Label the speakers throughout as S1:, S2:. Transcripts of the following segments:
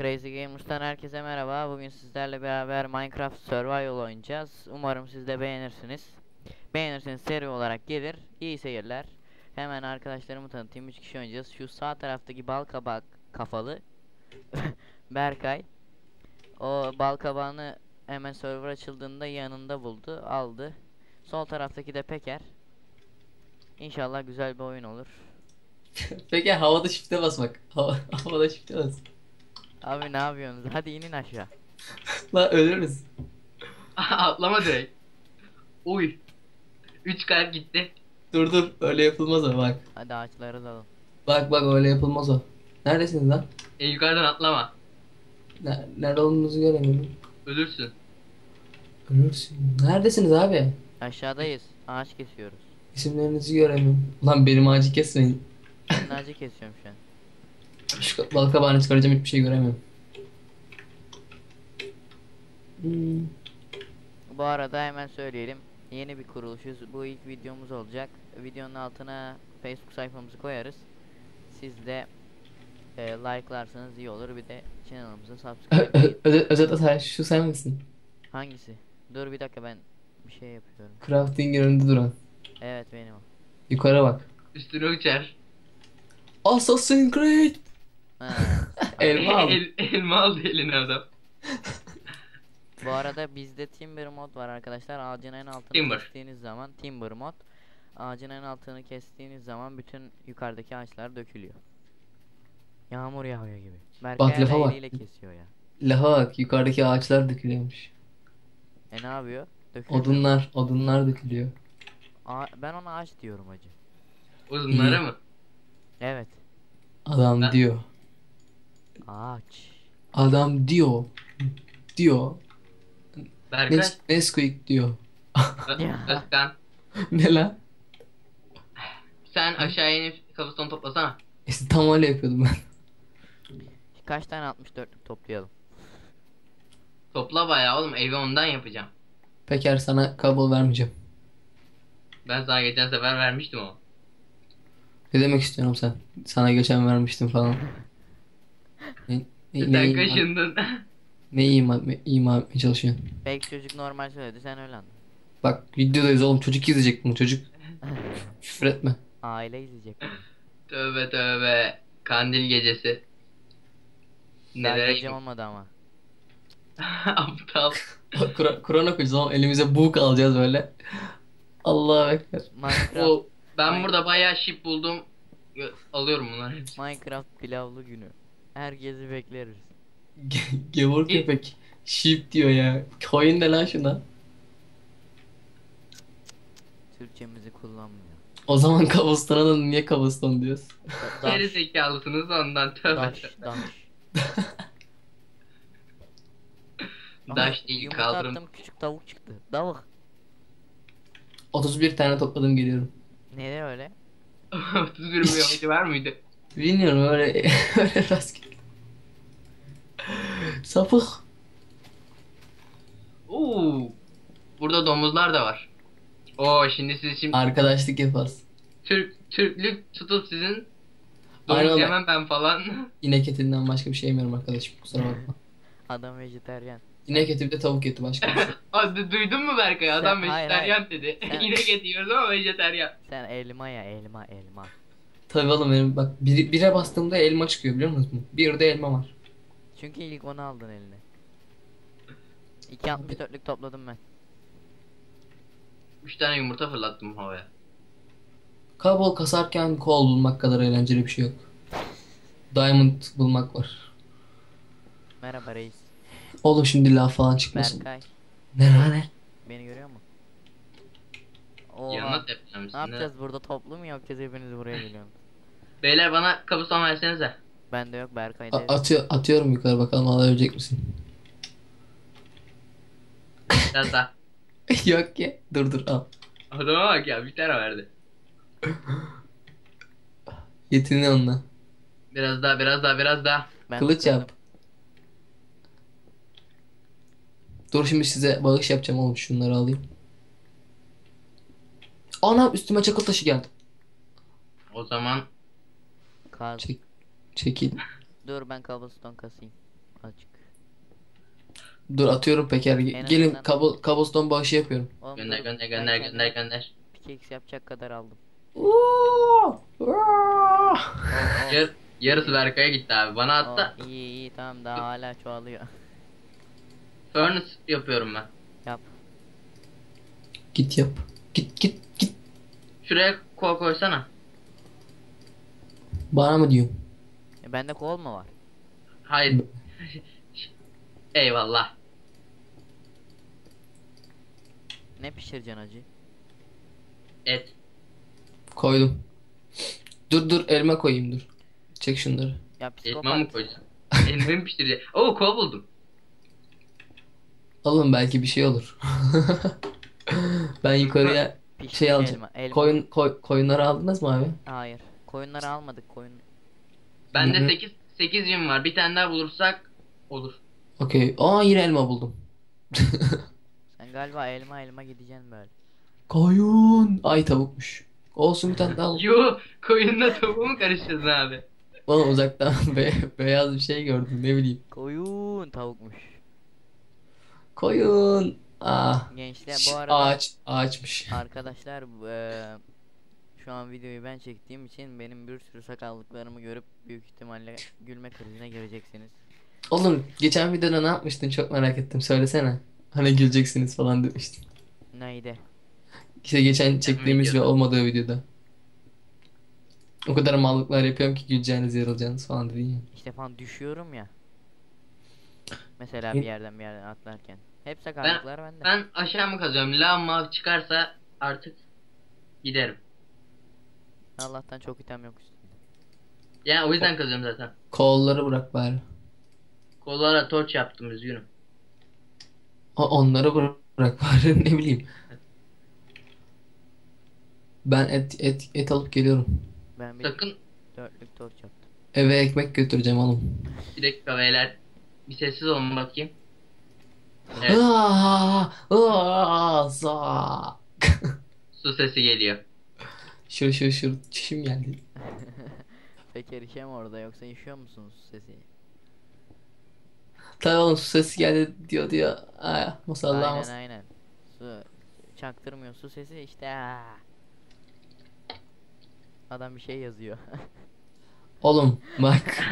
S1: Crazy Gamers'tan herkese merhaba. Bugün sizlerle beraber Minecraft Survival oynayacağız. Umarım siz de beğenirsiniz. Beğenirseniz seri olarak gelir. İyi seyirler. Hemen arkadaşlarımı tanıtayım. 3 kişi oynayacağız. Şu sağ taraftaki bal kabak kafalı Berkay. O bal kabağını hemen server açıldığında yanında buldu, aldı. Sol taraftaki de Peker. İnşallah güzel bir oyun olur.
S2: Peki havada shift'e basmak. Havada shift'e bas.
S1: Abi ne yapıyorsunuz? Hadi inin aşağı.
S2: Lan ölürüz.
S3: Atlama direkt. Uy. 3 kalp gitti.
S2: Dur dur öyle yapılmaz o bak.
S1: Hadi ağaçları dalın.
S2: Bak öyle yapılmaz o. Neredesiniz lan?
S3: Yukarıdan atlama.
S2: Nerede olduğunuzu göremiyorum.
S3: Ölürsün.
S2: Ölürsün. Neredesiniz abi?
S1: Aşağıdayız. Ağaç kesiyoruz.
S2: İsimlerinizi göremiyorum. Lan benim ağacı kesmeyin.
S1: Senin ağacı kesiyorum şu an.
S2: Şu bal kabağını çıkaracağım hiçbir şey göremiyorum. Hmm.
S1: Bu arada hemen söyleyelim. Yeni bir kuruluşuz. Bu ilk videomuz olacak. Videonun altına Facebook sayfamızı koyarız. Siz de like'larsanız iyi olur. Bir de kanalımıza subscribe edin.
S2: Özet Atay şu sen misin?
S1: Hangisi? Dur bir dakika, ben bir şey yapıyorum.
S2: Crafting önünde duran.
S1: Evet, benim o.
S2: Yukarı bak.
S3: Üstüne uçar.
S2: Assassin's Creed.
S1: Ha,
S2: Elma al.
S3: Elma aldı eline adam.
S1: bu arada bizde Timber mod var arkadaşlar. Ağacın en altını
S3: Timber.
S1: kestiğiniz zaman Timber mod. Ağacın en altını kestiğiniz zaman bütün yukarıdaki ağaçlar dökülüyor. Yağmur yağıyor gibi. Berkay
S2: Bak, lafa
S1: hala
S2: bak.
S1: eliyle kesiyor ya.
S2: Laha bak yukarıdaki ağaçlar dökülüyormuş.
S1: Ne yapıyor? Dökülüyor.
S2: Odunlar dökülüyor.
S1: Ben ona ağaç diyorum acı.
S3: Uzunlara
S2: İyi.
S3: mı?
S1: Evet.
S2: Adam
S3: Ben-
S2: diyor.
S1: Ağaç.
S2: Adam diyor. Diyor.
S3: Berkay.
S2: Nesquik diyor.
S1: Ya.
S3: Özkan.
S2: Ne lan?
S3: Sen aşağıya inip kafasını toplasana.
S2: İşte tam öyle yapıyordum ben.
S1: Kaç tane 64'lük toplayalım?
S3: Topla bayağı oğlum, evi ondan yapacağım.
S2: Peker sana kabul vermeyeceğim.
S3: Ben sana geçen sefer vermiştim o.
S2: Ne demek istiyorum sen? Sana geçen vermiştim falan. Ne,
S3: Sen
S2: ima,
S3: kaşındın.
S2: ima etmeye çalışıyorsun?
S1: Belki çocuk normal söyledi, sen öyle anladın.
S2: Bak videodayız oğlum, çocuk izleyecek bunu, çocuk. Küfür etme.
S1: Aile izleyecek bunu.
S3: Tövbe tövbe. Kandil gecesi.
S1: Daha
S3: Nelere
S1: gece olmadı ama.
S3: Aptal.
S2: Kur'an okuyacağız oğlum, elimize buğuk alacağız böyle. Allahu Ekber.
S1: Minecraft,
S3: Ben burada bayağı şip buldum. Alıyorum bunları hepsini.
S1: Minecraft pilavlı günü. Herkesi bekleriz.
S2: Gevur köpek. Sheep diyor ya. Koyun ne lan şuna?
S1: Türkçemizi kullanmıyor.
S2: O zaman Cobblestone'a da niye Cobblestone diyoruz?
S3: Geri
S1: Daş,
S3: zekalısınız ondan, tövbe
S1: daş,
S3: tövbe.
S1: daş.
S3: Daş değil,
S1: Yumurta
S3: kaldırım.
S1: attım, küçük tavuk çıktı. Tavuk.
S2: 31 tane topladım, geliyorum.
S1: Neden öyle?
S3: 31 bir amacı var mıydı?
S2: Bilmiyorum, öyle öyle rastgele. Sapık.
S3: Oo. Burada domuzlar da var. Oo, şimdi
S2: Arkadaşlık yaparız.
S3: Türklük tutup sizin
S2: Aynen
S3: domuz
S2: öyle.
S3: yemem ben falan.
S2: İnek etinden başka bir şey yemiyorum arkadaşım, kusura bakma.
S1: Adam vejetaryen.
S2: İnek eti bir de tavuk eti, başka bir şey.
S3: Hadi, duydun mu Berkay? Adam
S1: Hayır,
S3: vejetaryen dedi.
S1: Sen-
S3: İnek eti yiyoruz ama vejetaryen.
S1: Sen elma ya, elma.
S2: Tabii oğlum, benim bak bire bastığımda elma çıkıyor, biliyor musun? Bir de elma var.
S1: Çünkü ilk onu aldın eline. 2.64'lük topladım ben.
S3: 3 tane yumurta fırlattım havaya.
S2: Kabul kasarken kol bulmak kadar eğlenceli bir şey yok. Diamond bulmak var.
S1: Merhaba reis.
S2: Oğlum şimdi laf falan çıkmasın.
S1: Berkay.
S2: Ne?
S1: Beni görüyor mu?
S3: Yanına
S1: Oha.
S3: tepeceğim
S1: Ne
S3: sizinle.
S1: yapacağız burada, toplu mu yapacağız, hepiniz buraya geliyorsunuz?
S3: Beyler, bana kabuston versenize.
S1: Bende yok, Berkay'da.
S2: Atıyorum yukarı, bakalım alabilecek misin?
S3: Biraz daha.
S2: Yok ki. Dur al.
S3: Adama bak ya, bir tane verdi.
S2: Yetini onunla.
S3: Biraz daha.
S1: Ben
S2: Kılıç
S1: tutuyorum.
S2: yap. Dur şimdi size bağış yapacağım oğlum, şunları alayım. Ana, üstüme çakıl taşı geldi.
S3: O zaman
S1: Kaz.
S2: Çek, çekil.
S1: Dur, ben cobblestone kasayım. Azıcık.
S2: Dur atıyorum Peker.
S1: En
S2: Gelin
S1: azından-
S2: cobblestone bağışı yapıyorum.
S1: Oğlum
S3: Gönder
S1: dur,
S3: gönder
S1: ben
S3: gönder
S1: kendime
S3: gönder gönder.
S1: pickaxe yapacak kadar aldım.
S2: Oo! Oo!
S1: Oh,
S3: Yarısı Berkay'a gitti abi. Bana hatta
S1: iyi iyi tamam, daha hala çoğalıyor.
S3: furnace yapıyorum ben.
S1: Yap.
S2: Git yap. Git.
S3: Şuraya kol koysana.
S2: Bana mı diyorsun?
S1: Bende kol mu var?
S3: Hayır. Eyvallah.
S1: Ne pişireceksin acı?
S3: Et.
S2: Koydum. Dur elma koyayım dur. Çek şunları.
S1: Ya
S3: Elma
S1: psikopat.
S3: mı koysun? Elma mı pişirecek? Oo kol buldum.
S2: Alın belki bir şey olur. Ben yukarıya
S1: Pişmiş
S2: şey alacağım.
S1: elma.
S2: Koyunları aldınız mı abi?
S1: Hayır. Koyunları almadık, koyun.
S3: Bende
S2: Hı hı.
S3: 8 yün var. Bir tane daha bulursak olur.
S2: Okey. Aa yine elma buldum.
S1: Sen galiba elma gideceksin böyle.
S2: Koyun. Ay tavukmuş. Olsun bir tane daha al.
S3: Yo, koyunla tavuğu mu karıştırdın abi?
S2: Oğlum uzaktan beyaz bir şey gördüm ne bileyim.
S1: Koyun tavukmuş.
S2: Koyun. Ah.
S1: Gençler bu arada
S2: Ağaçmış.
S1: arkadaşlar şu an videoyu ben çektiğim için benim bir sürü sakallıklarımı görüp büyük ihtimalle gülme krizine gireceksiniz.
S2: Oğlum geçen videoda ne yapmıştın çok merak ettim söylesene. Hani güleceksiniz falan demiştin.
S1: Neydi?
S2: İşte geçen çektiğimiz ve
S3: videoda.
S2: olmadığı videoda. O kadar mallıklar yapıyorum ki güleceğiniz yarılacağınız falan dedin ya.
S1: İşte falan düşüyorum ya. Mesela
S2: Ne?
S1: bir yerden atlarken. Hep sakallıklar bende.
S3: Ben aşağı mı kazıyorum? Lama çıkarsa artık giderim.
S1: Allah'tan çok item yok üstünde.
S3: Yani o yüzden kazıyorum zaten.
S2: Kolları bırak bari.
S3: Kollara torç yaptım üzgünüm.
S2: Onları bırak bari ne bileyim. Ben et alıp geliyorum.
S1: Ben bir
S3: Sakın
S1: dörtlük torç yaptım.
S2: Eve ekmek götüreceğim oğlum.
S3: bir dakika beyler. Bir sessiz olun bakayım. Evet,
S2: Za.
S3: su sesi geliyor.
S2: Şu çişim geldi.
S1: Peki erişem orada, yoksa işiyor musunuz sesi?
S2: Tabii oğlum su sesi geldi diyor diyor. Ay, masallah
S1: Aynen aynen. Su çaktırmıyor, su sesi işte. Adam bir şey yazıyor.
S2: Oğlum bak.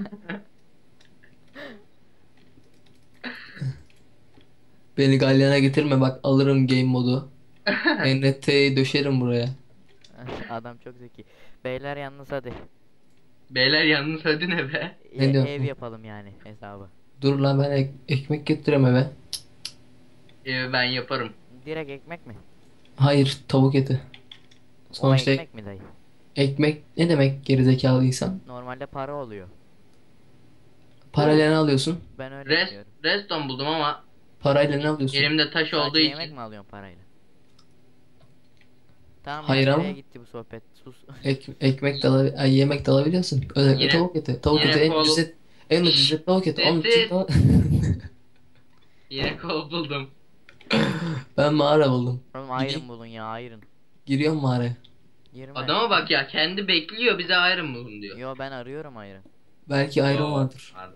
S2: Beni galyana getirme bak alırım game modu. NFT'yi döşerim buraya.
S1: Adam çok zeki. Beyler yalnız hadi.
S3: Beyler yalnız hadi ne be?
S2: Ne diyorsun?
S1: Ev yapalım yani hesabı.
S2: Dur lan ben ekmek getireyim eve.
S3: Ben yaparım.
S1: Direkt ekmek mi?
S2: Hayır tavuk eti.
S1: O
S2: Sonuçta
S1: ekmek mi dayı?
S2: ekmek ne demek gerizekalıysan?
S1: Normalde para oluyor.
S2: Parayla ne alıyorsun?
S1: Ben öyle
S3: Rest,
S1: biliyorum.
S3: redstone buldum ama
S2: Parayla ne alıyorsun?
S3: elimde taş olduğu
S1: Sadece yemek
S3: için
S1: mi alıyorsun parayla? Tamam
S2: Hayır
S1: ya,
S2: ama-
S1: nereye gitti bu sohbet? Sus.
S2: Ekmek de yemek de alabiliyorsun. Özellikle
S3: Yine-
S2: tavuk eti. Tavuk
S3: yine
S2: eti en
S3: kol-
S2: ucuz et. En ucuz et tavuk eti. Onun için
S3: Sessiz.
S2: tavuk-
S3: yine kol buldum.
S2: Ben mağara buldum.
S1: Oğlum
S2: Gideyim.
S1: iron bulun ya, iron.
S2: Giriyorum mağaraya.
S1: Girme.
S3: Adama bak ya, kendi bekliyor, bize ayrım bulun diyor.
S1: Yo, ben arıyorum iron.
S2: Belki iron
S3: Oo,
S2: vardır.
S3: pardon.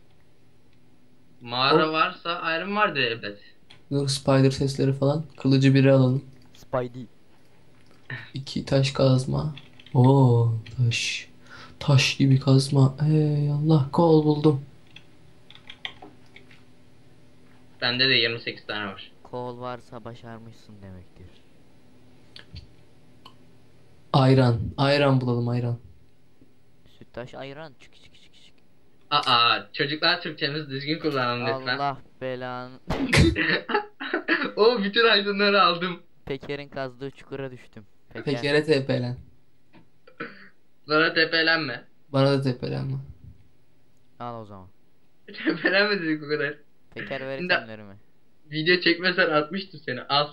S3: Mağara varsa ayrım vardır elbet.
S2: Dur spider sesleri falan. Kılıcı biri alalım.
S1: Spidey.
S2: 2 taş kazma. Oo taş. Taş gibi kazma. Ey Allah kol buldum.
S3: Bende de 28 tane var.
S1: Kol varsa başarmışsın demektir.
S2: Ayran. Ayran bulalım ayran.
S1: Süttaş ayran. Çık çık çık çık.
S3: Aa, çocuklar Türkçemizi düzgün kullanalım lütfen.
S1: Allah belanı.
S3: O bütün aydınları aldım.
S1: Peker'in kazdığı çukura düştüm.
S2: Peker'e tepelen.
S3: Sonra tepelenme.
S2: Bana da tepelenme.
S1: Al o zaman.
S3: Tepelenme dedik o kadar.
S1: Peker ver
S3: Şimdi-
S1: itemlerimi.
S3: Video çekmesen atmıştım seni, al.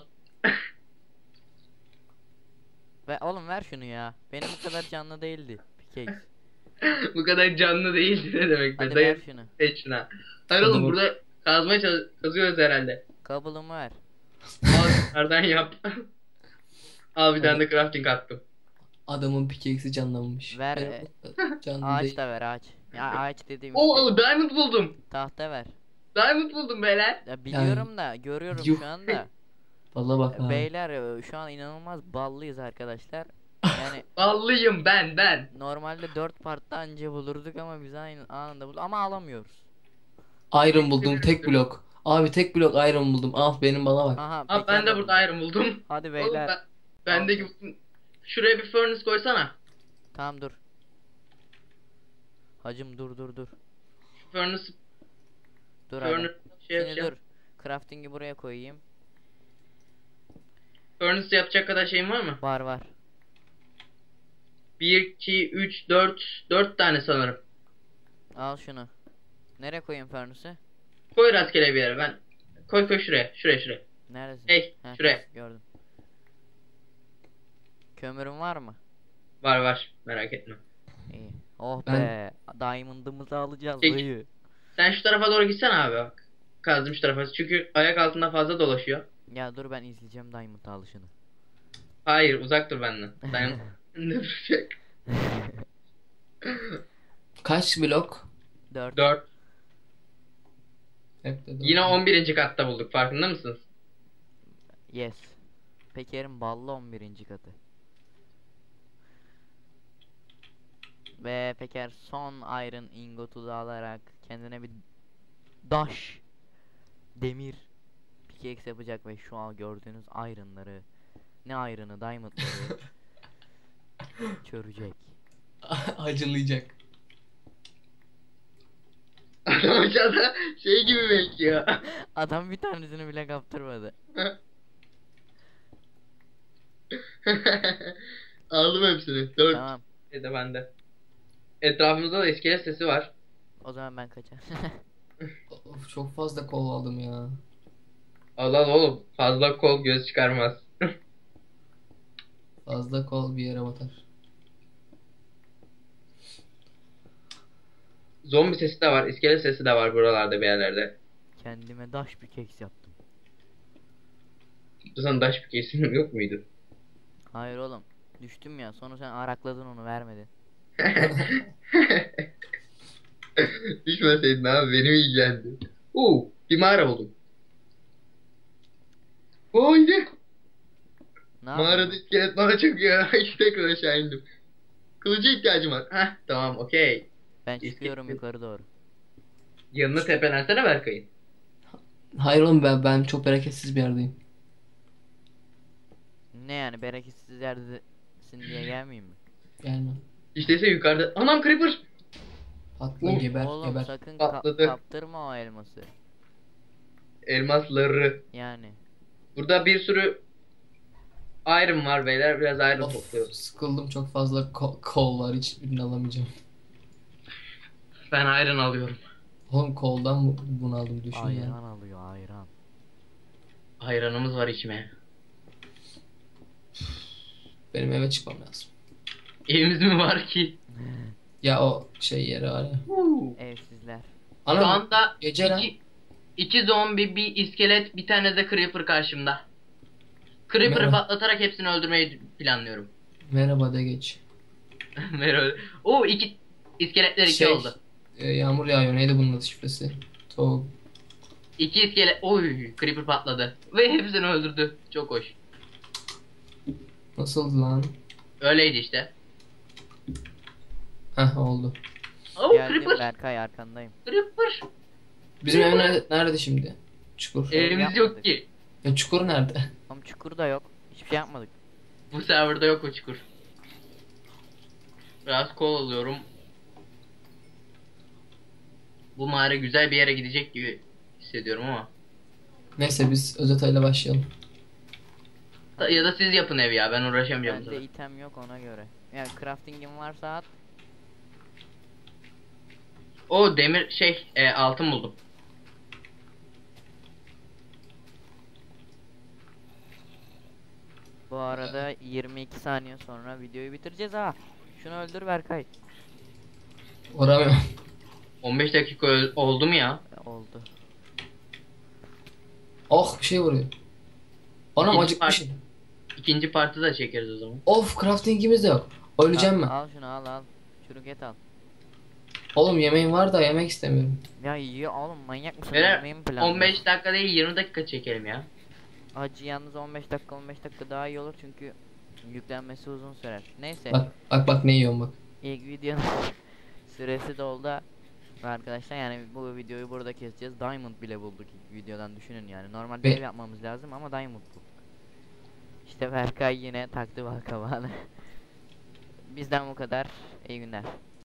S1: Ve oğlum ver şunu ya. Benim bu kadar canlı değildi. Pickaxe.
S3: Bu kadar canlı değildi ne demek be?
S1: Hadi ver
S3: Dayı
S1: şunu.
S3: seç şuna. Hayır
S2: Hadi
S3: oğlum,
S2: bak.
S3: burada kazmaya kazıyoruz herhalde.
S1: Kablomu ver.
S3: Al nereden yap. Al bir tane de crafting attım.
S2: Adamın pickaxe'i canlanmış.
S1: Ver,
S2: Benim canlı
S1: Ağaç
S2: değil.
S1: da ver ağaç. Ya ağaç dediğim işte.
S3: Oo diamond buldum.
S1: Tahta ver.
S3: Diamond buldum beyler.
S1: Ya biliyorum da görüyorum
S2: yuh.
S1: şu anda.
S2: Valla bak abi.
S1: Beyler şu an inanılmaz ballıyız arkadaşlar. Yani
S3: Ballıyım ben.
S1: normalde 4 partta anca bulurduk ama biz aynı anında bulduk ama alamıyoruz.
S2: Iron buldum tek blok. Abi tek blok iron buldum. Al benim bana bak.
S1: Aha
S3: Abi ben de burada iron buldum.
S1: Hadi
S3: Oğlum
S1: beyler.
S3: bendeki şuraya bir furnace koysana.
S1: Tamam dur. Hacım dur.
S3: Furnace
S1: Dur hadi.
S3: şey
S1: Şimdi
S3: yapacağım.
S1: dur. Crafting'i buraya koyayım.
S3: Furnace yapacak kadar şeyin var mı?
S1: Var.
S3: 1 2 3 4 tane sanırım.
S1: Al şunu. Nereye koyayım furnace'ı?
S3: Koy rastgele bir yere ben. Koy şuraya.
S1: Neredesin?
S3: Hey,
S1: Heh,
S3: şuraya.
S1: gördüm. Kömürün var mı?
S3: Var merak etme.
S1: İyi. Oh
S2: Ben-
S1: be. Diamond'ımızı alacağız
S3: Peki.
S1: dayı.
S3: Sen şu tarafa doğru gitsene abi bak. Kazdım şu tarafa. Çünkü ayak altında fazla dolaşıyor.
S1: Ya dur ben izleyeceğim Diamond alışını.
S3: Hayır uzak dur benden. Diamond ne duracak?
S2: Kaç blok?
S1: 4.
S3: 4.
S2: Hep de
S3: Yine
S2: dört.
S3: 11. katta bulduk. Farkında mısınız?
S1: Yes. Peker'in ballı 11. katı. Ve Peker son iron ingotu da alarak kendine bir daş demir pickaxe yapacak ve şu an gördüğünüz iron'ları, ne iron'ı, diamond'ları çörecek.
S2: Acılayacak.
S3: Adam aşağıda şey gibi bekliyor.
S1: Adam bir tanesini bile kaptırmadı.
S3: Aldım hepsini. 4
S1: Tamam.
S3: de bende. Etrafımızda da iskelet sesi var.
S1: O zaman ben kaçar.
S2: Of, çok fazla kol aldım ya.
S3: Allah oğlum fazla kol göz çıkarmaz.
S2: Fazla kol bir yere batar.
S3: Zombi sesi de var, iskelet sesi de var buralarda bir yerlerde.
S1: Kendime daş pickaxe yaptım.
S3: Bu sana daş bir kesim yok muydu?
S1: Hayır oğlum. Düştüm ya. Sonra sen arakladın onu vermedin.
S3: Düşmeseydin abi benim ilgilendi. Bir mağara buldum. Haydi.
S1: Ne
S3: Mağarada
S1: yapayım?
S3: iskelet bana çöküyor. Tekrar aşağı indim. Kılıca ihtiyacım var. Heh tamam okey.
S1: Ben çıkıyorum yukarı doğru.
S3: Yanına tepelensene Berkay'ın.
S2: Hayır oğlum ben çok bereketsiz bir yerdeyim.
S1: Ne yani bereketsiz yerdesin diye gelmeyeyim mi?
S2: Gelme.
S3: İşte yukarıda. Anam creeper.
S2: Patla
S3: Oğlum,
S2: geber
S1: Oğlum
S2: geber.
S1: sakın
S3: Patladı.
S1: kaptırma o elması.
S3: Elmasları.
S1: Yani.
S3: Burada bir sürü iron var beyler. Biraz iron
S2: Of,
S3: topluyoruz.
S2: sıkıldım çok fazla kol var hiçbirini alamayacağım.
S3: Ben iron alıyorum.
S2: Oğlum koldan bunu aldım düşün ya.
S1: Ayran alıyor ayran.
S3: Ayranımız var içmeye.
S2: Benim eve çıkmam lazım.
S3: Evimiz mi var ki?
S2: Ya o şey yeri var ya.
S1: Evsizler.
S3: Şu
S2: Ana
S3: anda
S2: gece lan.
S3: iki zombi, bir iskelet, bir tane de creeper karşımda. Creeper'ı
S2: Merhaba.
S3: patlatarak hepsini öldürmeyi planlıyorum.
S2: Merhaba de geç.
S3: Merhaba. İki iskeletler iki
S2: Şey,
S3: oldu.
S2: Yağmur yağıyor neydi bunun adı şifresi? Tavuk.
S3: İki iskelet. Creeper patladı. Ve hepsini öldürdü. Çok hoş.
S2: Nasıldı lan?
S3: Öyleydi işte.
S2: Heh oldu.
S1: Geldim
S3: Creeper.
S1: Berkay arkandayım.
S3: Creeper.
S2: Bizim ev nerede şimdi? Çukur.
S3: Evimiz yok
S1: yapmadık.
S3: ki.
S2: Ya çukur nerede?
S1: Ama çukur da yok. Hiçbir şey yapmadık.
S3: Bu serverda yok o çukur. Biraz kol alıyorum. Bu mağara güzel bir yere gidecek gibi hissediyorum ama.
S2: Neyse biz özetayla başlayalım.
S3: Ya da siz yapın ev ya ben uğraşamayacağım.
S1: Bende item yok ona göre. Yani crafting'im varsa at.
S3: Demir altın buldum.
S1: Bu arada 22 saniye sonra videoyu bitireceğiz ha. Şunu öldür Berkay.
S2: Uğramıyorum.
S3: 15 dakika oldu mu ya?
S1: Oldu.
S2: Oh bir şey vuruyor. Anam
S3: İkinci
S2: acıkmışım.
S3: İkinci partı da çekeriz o zaman.
S2: Of craftingimiz de yok. Öleceğim ben.
S1: Al şunu al. Çürük et al.
S2: Oğlum yemeğim var da yemek istemiyorum.
S1: Ya yiyor oğlum, manyak mısın?
S3: Böyle
S1: Ölmeyi mi planlıyorsun?
S3: 15 dakika değil 20 dakika çekelim ya.
S1: Acı yalnız 15 dakika daha iyi olur çünkü yüklenmesi uzun sürer. Neyse,
S2: Bak ne yiyorum bak.
S1: ilk videonun süresi doldu arkadaşlar, yani bu videoyu burada keseceğiz. Diamond bile bulduk ilk videodan, düşünün yani. Normalde ev yapmamız lazım ama Diamond bulduk. İşte Berkay yine taktı balkabağını. Bizden bu kadar. İyi günler.